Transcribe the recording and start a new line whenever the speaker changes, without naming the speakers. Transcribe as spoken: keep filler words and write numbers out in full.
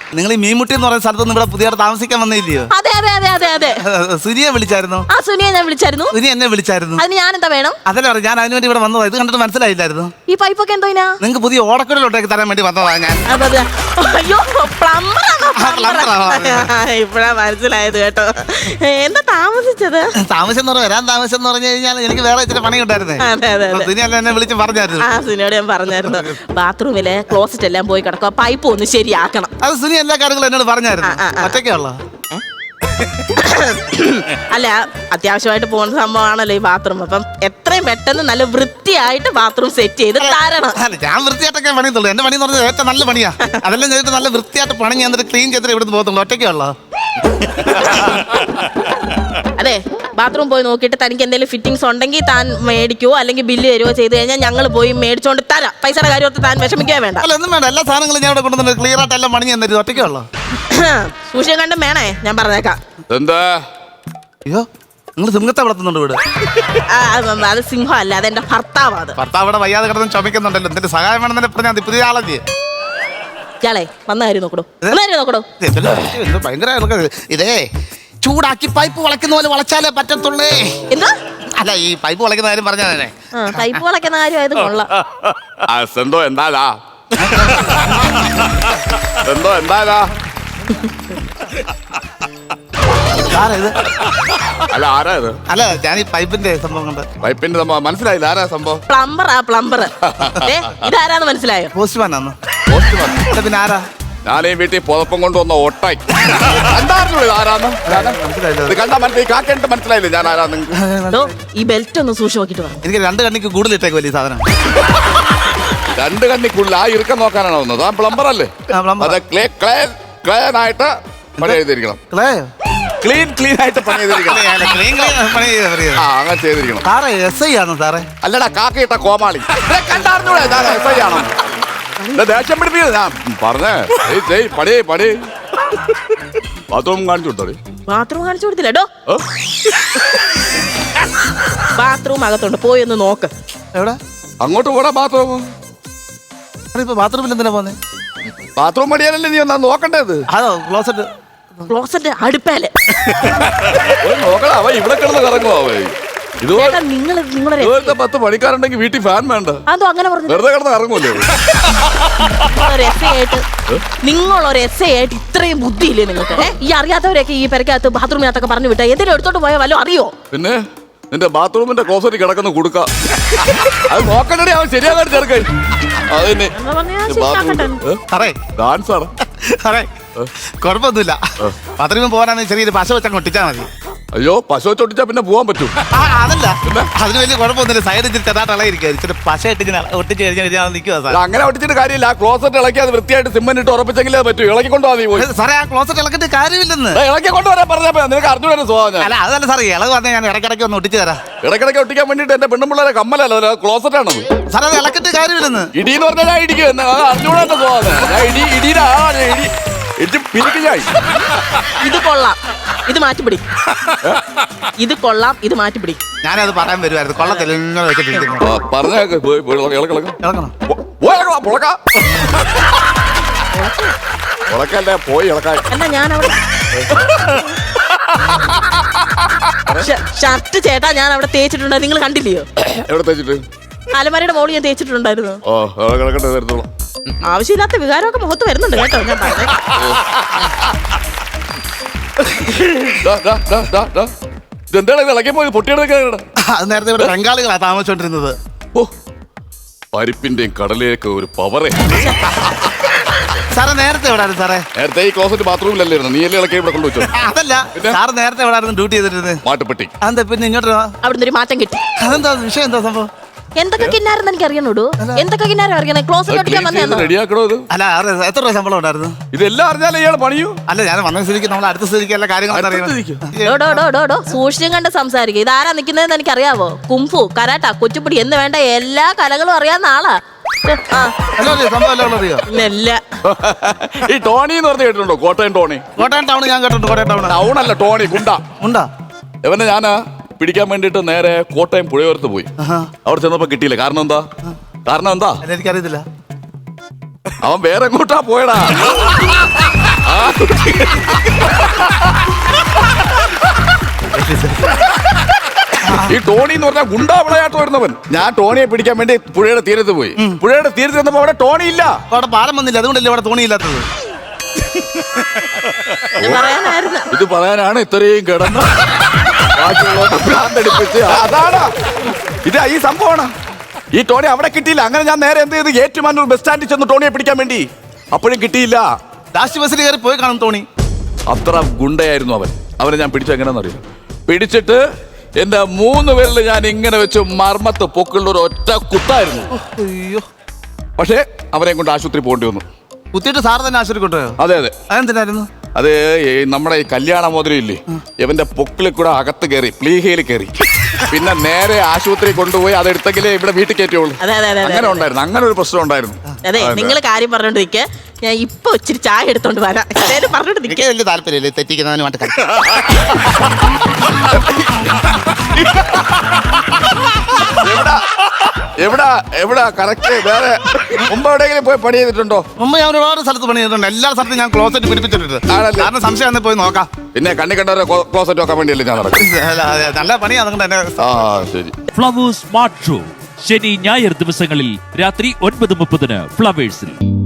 നിങ്ങൾ ഈ മീൻമുട്ടി എന്ന് പറയുന്ന സ്ഥലത്തൊന്നും ഇവിടെ പുതിയ താമസിക്കാൻ വന്നില്ലയോ?
അതെ അതെ അതെ അതെ അതെ.
സുനിയെ വിളിച്ചായിരുന്നു?
ആ സുനിയെ ഞാൻ വിളിച്ചായിരുന്നു.
സുനി എന്നെ വിളിച്ചായിരുന്നു.
അതിന് ഞാൻ എന്താ വേണം?
അതല്ല പറഞ്ഞു, ഞാൻ അതിനുവേണ്ടി ഇവിടെ വന്നതാ. ഇത് കണ്ടിട്ട് മനസ്സിലായില്ലായിരുന്നു?
ഈ പൈപ്പൊക്കെ എന്തോ
നിങ്ങൾക്ക് പുതിയ ഓടക്കുഴലോട്ടേക്ക് തരാൻ വേണ്ടി വന്നതാ ഞാൻ.
അയ്യോ ഇപ്പഴാ മനസ്സിലായത് കേട്ടോ. എന്താ താമസിച്ചത്?
താമസം എന്ന് പറഞ്ഞാൽ വരാൻ താമസം എന്ന് പറഞ്ഞു കഴിഞ്ഞാൽ എനിക്ക് വേറെ ഇച്ചിരി പണി ഉണ്ടായിരുന്നേ. സുനി അല്ല എന്നെ വിളിച്ച് പറഞ്ഞായിരുന്നു.
ആ സുനിയോട് ഞാൻ പറഞ്ഞായിരുന്നു ബാത്റൂമിലെ ക്ലോസറ്റ് എല്ലാം പോയി കിടക്കുക, പൈപ്പ് ഒന്ന് ശരിയാക്കണം.
അത് സുനി എല്ലാ കാര്യങ്ങളും എന്നോട് പറഞ്ഞായിരുന്നു. ഒറ്റയ്ക്കുള്ള
അല്ല, അത്യാവശ്യമായിട്ട് പോകുന്ന സംഭവമാണല്ലോ ഈ ബാത്റൂം. അപ്പം എത്രയും പെട്ടെന്ന് നല്ല വൃത്തിയായിട്ട് ബാത്റൂം സെറ്റ് ചെയ്ത് തരണം.
ഞാൻ വൃത്തിയായിട്ടൊക്കെ പണിയുള്ളൂ. എന്റെ പണി എന്ന് പറഞ്ഞാൽ ഏറ്റവും നല്ല പണിയാ. അതെല്ലാം ചെയ്തിട്ട് നല്ല വൃത്തിയായിട്ട് പണി ഞാൻ ക്ലീൻ ചെയ്തിട്ട് ഇവിടുന്ന് പോകത്തുള്ളൂ. ഒറ്റയ്ക്കുള്ള
അതെ, ബാത്റൂം പോയി നോക്കിയിട്ട് തനിക്ക് എന്തെങ്കിലും ഫിറ്റിംഗ്സ് ഉണ്ടെങ്കിൽ താൻ മേടിക്കുവോ അല്ലെങ്കിൽ ബില്ല് തരുവോ ചെയ്ത് കഴിഞ്ഞാൽ ഞങ്ങൾ പോയി മേടിച്ചോണ്ട് തരാം. പൈസയുടെ കാര്യമൊക്കെ താൻ വിഷമിക്കാൻ വേണ്ട.
അല്ല, ഒന്നും വേണ്ട. എല്ലാ സാധനങ്ങളും ഞാൻ ഇവിടെ കൊണ്ടുവന്നിട്ട് ക്ലിയർ ആയിട്ട് എല്ലാം പണി ഞാൻ തരും. ഒറ്റയ്ക്കുള്ള
സൂക്ഷിക്കാൻ കണ്ടും വേണേ, ഞാൻ പറഞ്ഞേക്കാം.
എന്താ
അയ്യോ, നിങ്ങൾ സിംഹത്തെ വളർത്തുന്നുണ്ട് ഇവിടെ?
അത് സിംഹം അല്ല, അതെന്റെ ഭർത്താവാണ്.
ഭർത്താവ് ഇവിടെ വയ്യാതെ കിടന്ന് ചുമക്കുന്നുണ്ടല്ലോ. എന്തിന്റെ സഹായം വേണമെന്നെ പറഞ്ഞാൽ മതി. പുതിയ ആളല്ലേ
ഇയാളെ? വന്ന കാര്യം നോക്കടോ, നോക്കടോ.
ഭയങ്കര ഇതേ ചൂടാക്കി പൈപ്പ് വളയ്ക്കുന്ന പോലെ വളച്ചാലേ പറ്റത്തുള്ളേ.
എന്താ?
അല്ല, ഈ പൈപ്പ് വളയ്ക്കുന്ന കാര്യം പറഞ്ഞാലേ.
പൈപ്പ് വളയ്ക്കുന്ന കാര്യം ആയത് കൊള്ളാം.
എന്തോ എന്താ എന്തോ എന്താ അല്ല ആരാ ഇത്?
അല്ല, ഞാൻ ഈ പൈപ്പിന്റെ സംഭവം കണ്ട്.
പൈപ്പിന്റെ സംഭവം മനസ്സിലായില്ല. ആരാ സംഭവം?
പ്ലംബർ. ആ പ്ലംബർ. ഇതാരാന്ന് മനസ്സിലായോ?
പോസ്റ്റ്മാൻ ആണോ?
പോസ്റ്റ്മാൻ.
പിന്നെ ആരാ?
ഞാൻ ഈ വീട്ടിൽ പുതപ്പം കൊണ്ടുവന്ന ഒട്ടായി. എന്തായിരുന്നു ഇത്? ആരാന്ന് ഇത് കണ്ടാ മനസ്സിലായി? കാക്കേണ്ട മനസ്സിലായില്ലേ ഞാൻ ആരാന്ന്?
ഈ ബെൽറ്റ് ഒന്ന് സൂക്ഷിച്ച് നോക്കിട്ട് പറഞ്ഞു.
എനിക്ക് രണ്ട് കണ്ണിക്ക് കൂടുതൽ ഇട്ടേക്ക് വലിയ സാധനം.
രണ്ട് കണ്ണിക്കുള്ളിൽ ആ ഇറുക്കം നോക്കാനാണ് വന്നത്. ആ പ്ലംബർ അല്ലേ? അതെ, ക്ലേ ക്ലേ ക്ലീൻ ആയിട്ട് പണി ചെയ്തിരിക്കണം. ക്ലീൻ ക്ലീൻ ആയിട്ട് പണി ചെയ്തിരിക്കണം. ആ, അങ്ങനെ ചെയ്തിരിക്കണം.
സാറേ എസ് ഐ ആണോ സാറേ?
അല്ലടാ, കാക്കയിട്ട കോമാളി. കണ്ടാർന്നൂടെ എസ് ഐ ആണോ? ദേഷ്യം പിടിപ്പിക്കുന്നത് ഞാൻ പറഞ്ഞേ. പണി പണി ബാത്റൂം കാണിച്ചു കൊടുത്തോളി.
ബാത്റൂം കാണിച്ചു കൊടുത്തില്ലോ. ബാത്റൂം അകത്തുണ്ട്, പോയി ഒന്ന് നോക്ക്.
എവിടെ?
അങ്ങോട്ട് പോടാ ബാത്റൂം.
ഇപ്പൊ ബാത്റൂമിൽ എന്തിനാ പോന്നെ?
ബാത്റൂം പണിയാനല്ലേ നീ ഒന്നാ നോക്കണ്ടേത്?
അതോ ക്ലോസറ്റ്?
ക്ലോസറ്റ് അടുപ്പേല്
നോക്കടാ. അവ ഇവിടെ കിടന്ന് കറങ്ങുവോ? അവ ഇതുപോലെ
നിങ്ങൾ
ഇതുപോലത്തെ പത്ത് പണിക്കാരുണ്ടെങ്കിൽ വീട്ടിൽ ഫാൻ വേണ്ട.
അതോ അങ്ങനെ പറഞ്ഞു
വെറുതെ കിടന്ന് ഇറങ്ങൂല്ലേ?
നിങ്ങളൊരു എസ് ഐ ആയിട്ട് ഇത്രയും ബുദ്ധിയില്ലേ നിങ്ങൾക്ക്? ഈ അറിയാത്തവരൊക്കെ ഈ പെരക്കകത്ത് ബാത്റൂമിനകത്തൊക്കെ പറഞ്ഞു വിട്ടാ എന്തെങ്കിലും എടുത്തോട്ട് പോയാൽ വല്ലോ അറിയോ?
പിന്നെ നിന്റെ ബാത്റൂമിന്റെ ക്ലോസറ്റ് കിടക്കുന്ന കൊടുക്ക. അത് നോക്കണ്ടേ അവൻ ശരിയാകാൻ ചേർക്കാൻ. അതന്നെ ഡാൻസ് ആണ്.
അതെ, കുഴപ്പമൊന്നുമില്ല. ബാത്റൂമിൽ പോകാനാണ് ചെറിയൊരു പശ വെച്ചാൽ ഒട്ടിച്ചാൽ മതി.
അയ്യോ, പശു ചൊട്ടിച്ചാ പിന്നെ പോവാൻ പറ്റും.
അതല്ല, അതിന് വലിയ കുഴപ്പമൊന്നുമില്ല. സൈഡ് ഇച്ചിരി ചെറുതായിട്ട് ഇളയിരിക്കും. ഇച്ചിരി പശ ഇട്ട് ഒട്ടിച്ച് കഴിഞ്ഞാൽ നിൽക്കുക.
അങ്ങനെ ഒട്ടിച്ചിട്ട് കാര്യമില്ല. ആ ക്ലോസറ്റ് ഇളക്കി അത് വൃത്തിയായിട്ട് സിമെന്റ് ഇട്ട് ഉറപ്പിച്ചെങ്കിലേ പറ്റൂ. ഇളക്കി കൊണ്ടുപോകാൻ നീ പോയി.
സാറേ, ആ ക്ലോസറ്റ് ഇളക്കിട്ട് കാര്യമില്ലെന്ന്.
ഇളക്കി കൊണ്ടുവരാൻ പറഞ്ഞപ്പോ നിനക്ക് അറിഞ്ഞൂടെ സ്വഭാവം?
അല്ല, അതല്ല സാറേ, ഇളവ് പറഞ്ഞാൽ ഞാൻ ഇടയ്ക്കിടയ്ക്ക് ഒന്ന് ഒട്ടിച്ച് തരാം.
ഇടയ്ക്കിടയ്ക്ക് ഒട്ടിക്കാൻ വേണ്ടിട്ട് എന്റെ പെണ്ണുമ്പിള്ളേരെ കമ്മലല്ലോ ക്ലോസറ്റ് ആണത്.
സാറേ, അത് ഇളക്കിട്ട് കാര്യമില്ലെന്ന്.
ഇടി എന്ന് പറഞ്ഞാൽ ഞാൻ ഇടിക്കും. അറിഞ്ഞൂടെ എന്റെ സ്വഭാവം. ഞാൻ ഇടി ഇടിയുടെ ആളാണ്. ഇടി ഇടി പിരിക്കും ഞാൻ.
ഇത് കൊള്ളാം, ഇത് മാറ്റിപ്പിടി. ഇത് കൊള്ളാം, ഇത് മാറ്റിപ്പിടി.
ഞാനത് പറയാൻ വരുമായിരുന്നു. കൊള്ളത്തില്ല
പറഞ്ഞേക്ക്. ഉളക്കല്ലേ പോയി ഇളക്കാൻ.
എന്നാ ഞാൻ അവിടെ ഷർട്ട് ചേട്ടാ ഞാൻ അവിടെ തേച്ചിട്ടുണ്ടോ? നിങ്ങൾ കണ്ടില്ലയോ?
എവിടെ തേച്ചിട്ട്?
അലമാരയുടെ മോള് ഞാൻ തേച്ചിട്ടുണ്ടായിരുന്നു.
ഓ, കിടക്കട്ടെ, തരത്തോളാം.
ആവശ്യമില്ലാത്ത വികാരമൊക്കെ മുഖത്ത് വരുന്നുണ്ട് കേട്ടോ. ഞാൻ പറഞ്ഞേ.
ഇതെന്താണ് ഇളക്കി പോയി പൊട്ടിയെടുക്ക?
അത് നേരത്തെ ഇവിടെ ബംഗാളികളാ താമസിച്ചോണ്ടിരുന്നത്.
ഓ, പരിപ്പിന്റെയും കടലയൊക്കെ ഒരു പവറേ.
സാറേ, നേരത്തെ എവിടായിരുന്നു സാറേ?
നേരത്തെ ഈ ക്ലോസറ്റ് ബാത്റൂമിലല്ലായിരുന്നു. നീ അല്ലേ ഇളക്കി ഇവിടെ കൊണ്ടുവച്ചോ?
അതല്ല സാറ് നേരത്തെ എവിടായിരുന്നു ഡ്യൂട്ടി ചെയ്തിരുന്നത്?
മാട്ടുപ്പെട്ടി.
അതെന്താ പിന്നെ ഇങ്ങോട്ട്
അവിടുന്ന് ഒരു മാറ്റം കിട്ടി.
അതെന്താ വിഷയം? എന്താ സംഭവം?
എന്തൊക്കെ കിന്നാരെന്ന് എനിക്ക് അറിയണോടൂ. എന്തൊക്കെ കിന്നാരം അറിയണേ? ക്ലോസറ്റ് ഒട്ടിക്കാൻ വന്നേന്നോ?
റെഡിയാക്കണോ ഇത്?
അല്ല, എത്ര രൂപ ശമ്പളം ഉണ്ടായിരുന്നു?
ഇതെല്ലാം അറിഞ്ഞാലേ ഇയാൾ പണിയൂ.
അല്ല, ഞാൻ വന്ന സ്ഥിതിക്ക് നമ്മൾ അടുത്ത സ്ഥിതിക്ക് എല്ലാ കാര്യങ്ങളും
സൂക്ഷിച്ചും കണ്ട് സംസാരിക്കും. ഇതാരാ നിൽക്കുന്നതെന്ന് എനിക്ക് അറിയാവോ? കുംഫു, കരാട്ട, കൊച്ചുപിടി എന്ന് വേണ്ട എല്ലാ കലകളും അറിയാവുന്ന ആളാ.
ഈ ടോണി എന്ന് പറഞ്ഞ് കേട്ടിട്ടുണ്ടോ? കോട്ടയം ടോണി.
കോട്ടയം ടൗൺ ഞാൻ കേട്ടിട്ടുണ്ട്. കോട്ടയം ടൗൺ
ടൗൺ അല്ല, ടോണി. ഗുണ്ട.
ഉണ്ടാ
ഇവനെ ഞാനാ പിടിക്കാൻ വേണ്ടിട്ട് നേരെ കോട്ടയം പുഴയോരത്ത് പോയി. അവിടെ ചെന്നപ്പോ കിട്ടിയില്ല. കാരണം എന്താ? കാരണം എന്താ
എനിക്കറിയത്തില്ല.
അവൻ വേറെ എങ്ങോട്ടാ പോയടാ. ഈ ടോണി എന്ന് പറഞ്ഞാൽ ഗുണ്ടാ വിളയാട്ട് വരുന്നവൻ. ഞാൻ ടോണിയെ പിടിക്കാൻ വേണ്ടി പുഴയുടെ തീരത്ത് പോയി. പുഴയുടെ തീരത്ത് ചെന്നപ്പോ അവിടെ ടോണി ഇല്ല.
അവിടെ പാലം വന്നില്ല, അതുകൊണ്ടല്ലേ അവിടെ തോണിയില്ലാത്തത്.
പറയാനായിരുന്നു.
ഇത് പറയാനാണ് ഇത്രയും കിടന്ന് ഭ്രാന്തടിപ്പിച്ച്. അതാണ് ഇത്, ഈ സംഭവമാണ്. ഈ ടോണി അവിടെ കിട്ടിയില്ല. അങ്ങനെ ഞാൻ നേരെ എന്ത് ചെയ്ത് ഏറ്റുമാനൂർ ബസ് സ്റ്റാൻഡിൽ ചെന്ന് ടോണിയെ പിടിക്കാൻ വേണ്ടി. അപ്പോഴും കിട്ടിയില്ല.
ലാസ്റ്റ് ബസ്സിൽ കയറി പോയി കാണും ടോണി.
അത്ര ഗുണ്ടയായിരുന്നു അവൻ. അവനെ ഞാൻ പിടിച്ചു എങ്ങനെയാണെന്ന് അറിയാം. പിടിച്ചിട്ട് എന്റെ മൂന്ന് പേരിൽ ഞാൻ ഇങ്ങനെ വെച്ച് മർമ്മത്ത് പൊക്കുള്ള ഒരു ഒറ്റ കുത്തായിരുന്നു.
അയ്യോ.
പക്ഷേ അവനെ കൊണ്ട് ആശുപത്രി പോകേണ്ടി വന്നു.
കുത്തിയിട്ട് സാർ തന്നെ ആശുപത്രി കൊണ്ടുപോയോ?
അതെ അതെ.
അതെന്തിനായിരുന്നു?
അത് ഈ നമ്മുടെ ഈ കല്യാണ മോതിരയില്ലേ, ഇവന്റെ പൊക്കിളിൽ കൂടെ അകത്ത് കയറി, പ്ലീഹയിൽ കയറി. പിന്നെ നേരെ ആശുപത്രി കൊണ്ടുപോയി അതെടുത്തെങ്കിലേ ഇവിടെ വീട്ടിൽ കയറ്റുള്ളൂ. അങ്ങനെ ഉണ്ടായിരുന്നു. അങ്ങനെ ഒരു പ്രശ്നം ഉണ്ടായിരുന്നു.
അതെ, നിങ്ങൾ കാര്യം പറഞ്ഞോണ്ട് നിൽക്കുക. ഞാൻ ഇപ്പൊ ഇച്ചിരി ചായ എടുത്തോണ്ട് വരാം. പറഞ്ഞോണ്ട് നിൽക്കുക.
വലിയ താല്പര്യമില്ല തെറ്റിക്കുന്നതിന് വേണ്ടി.
എവിടാ എവിടാ എവിടാ കറക്റ്റ്? വേറെ മുമ്പ് എവിടെയെങ്കിലും പോയി പണി ചെയ്തിട്ടുണ്ടോ?
മുമ്പ് ഞാൻ ഒരുപാട് സ്ഥലത്ത് പണി ചെയ്തിട്ടുണ്ട്. എല്ലാ സ്ഥലത്തും ഞാൻ ക്ലോസറ്റ് പിടിപ്പിച്ചിട്ടുണ്ട്. കാരണം സംശയം പോയി നോക്കാം.
പിന്നെ കണ്ണി കണ്ടവരെ ക്ലോസറ്റ് നോക്കാൻ വേണ്ടിയല്ലേ ഞാൻ നടക്കും.
നല്ല പണിയാണ്. അതുകൊണ്ട് തന്നെ.
ആ ശരി.
ഫ്ലവേഴ്സ് സ്മാർട്ട് ഷോ ശനി ഞായർ ദിവസങ്ങളിൽ രാത്രി ഒൻപത് മുപ്പതിന് ഫ്ലവേഴ്സിൽ.